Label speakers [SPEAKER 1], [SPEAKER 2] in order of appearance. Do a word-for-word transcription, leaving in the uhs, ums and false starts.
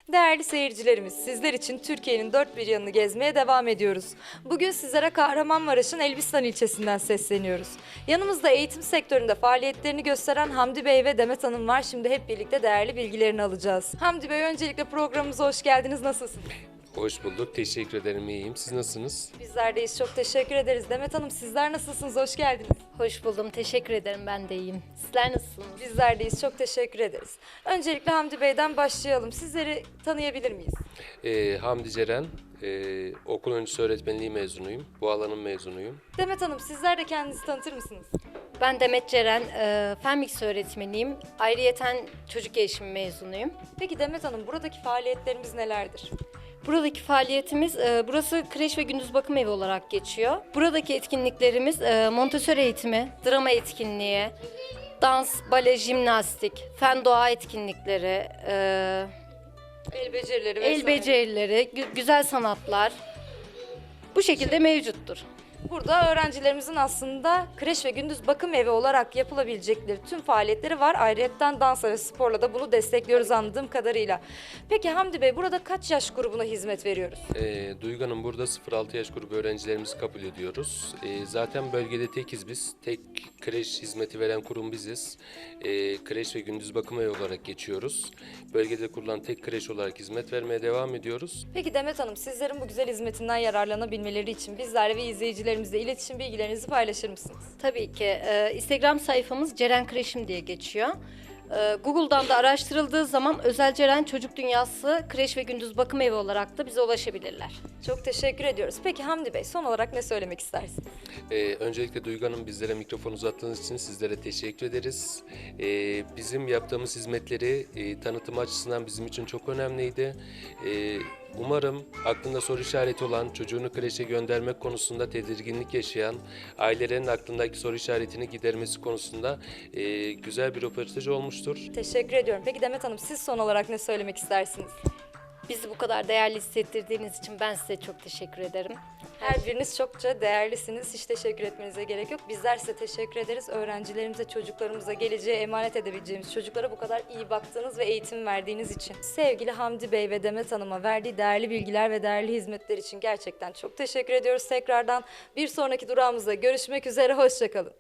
[SPEAKER 1] Değerli seyircilerimiz, sizler için Türkiye'nin dört bir yanını gezmeye devam ediyoruz. Bugün sizlere Kahramanmaraş'ın Elbistan ilçesinden sesleniyoruz. Yanımızda eğitim sektöründe faaliyetlerini gösteren Hamdi Bey ve Demet Hanım var. Şimdi hep birlikte değerli bilgilerini alacağız. Hamdi Bey, öncelikle programımıza hoş geldiniz. Nasılsınız?
[SPEAKER 2] Hoş bulduk. Teşekkür ederim. İyiyim. Siz nasılsınız?
[SPEAKER 1] Bizler deyiz. Çok teşekkür ederiz. Demet Hanım, sizler nasılsınız? Hoş geldiniz.
[SPEAKER 3] Hoş buldum. Teşekkür ederim. Ben de iyiyim. Sizler nasılsınız?
[SPEAKER 1] Bizler deyiz. Çok teşekkür ederiz. Öncelikle Hamdi Bey'den başlayalım. Sizleri tanıyabilir miyiz?
[SPEAKER 2] Ee, Hamdi Ceren, ee, okul öncesi öğretmenliği mezunuyum. Bu alanın mezunuyum.
[SPEAKER 1] Demet Hanım, sizler de kendinizi tanıtır mısınız?
[SPEAKER 3] Ben Demet Ceren, e, fen bilgisi öğretmeniyim. Ayrıyeten çocuk gelişimi mezunuyum.
[SPEAKER 1] Peki Demet Hanım, buradaki faaliyetlerimiz nelerdir?
[SPEAKER 3] Buradaki faaliyetimiz, e, burası kreş ve gündüz bakım evi olarak geçiyor. Buradaki etkinliklerimiz e, Montessori eğitimi, drama etkinliği, dans, bale, jimnastik, fen doğa etkinlikleri, e,
[SPEAKER 1] El becerileri vesaire.
[SPEAKER 3] el becerileri, gü- güzel sanatlar bu şekilde mevcuttur.
[SPEAKER 1] Burada öğrencilerimizin aslında kreş ve gündüz bakım evi olarak yapılabilecekleri tüm faaliyetleri var. Ayrıyeten dans ve sporla da bunu destekliyoruz anladığım kadarıyla. Peki Hamdi Bey, burada kaç yaş grubuna hizmet veriyoruz?
[SPEAKER 2] Ee, Duygu Hanım, burada sıfır altı yaş grubu öğrencilerimizi kabul ediyoruz. Ee, zaten bölgede tekiz biz. Tek kreş hizmeti veren kurum biziz. Ee, kreş ve gündüz bakım evi olarak geçiyoruz. Bölgede kurulan tek kreş olarak hizmet vermeye devam ediyoruz.
[SPEAKER 1] Peki Demet Hanım, sizlerin bu güzel hizmetinden yararlanabilmeleri için bizlerle ve izleyicilerimizle iletişim bilgilerinizi paylaşır mısınız?
[SPEAKER 3] Tabii ki. Ee, Instagram sayfamız Ceren Kreşim diye geçiyor. Ee, Google'dan da araştırıldığı zaman Özel Ceren Çocuk Dünyası Kreş ve Gündüz Bakım Evi olarak da bize ulaşabilirler.
[SPEAKER 1] Çok teşekkür ediyoruz. Peki Hamdi Bey, son olarak ne söylemek istersiniz?
[SPEAKER 2] Ee, öncelikle Duygu Hanım, bizlere mikrofon uzattığınız için sizlere teşekkür ederiz. Ee, bizim yaptığımız hizmetleri e, tanıtım açısından bizim için çok önemliydi. Ee, umarım aklında soru işareti olan, çocuğunu kreşe göndermek konusunda tedirginlik yaşayan, ailelerin aklındaki soru işaretini gidermesi konusunda e, güzel bir röportaj olmuştur.
[SPEAKER 1] Teşekkür ediyorum. Peki Demet Hanım, siz son olarak ne söylemek istersiniz?
[SPEAKER 3] Bizi bu kadar değerli hissettirdiğiniz için ben size çok teşekkür ederim.
[SPEAKER 1] Her biriniz çokça değerlisiniz. Hiç teşekkür etmenize gerek yok. Bizler size teşekkür ederiz. Öğrencilerimize, çocuklarımıza, geleceğe emanet edebileceğimiz çocuklara bu kadar iyi baktığınız ve eğitim verdiğiniz için. Sevgili Hamdi Bey ve Demet Hanım'a verdiği değerli bilgiler ve değerli hizmetler için gerçekten çok teşekkür ediyoruz tekrardan. Bir sonraki durağımızda görüşmek üzere. Hoşça kalın.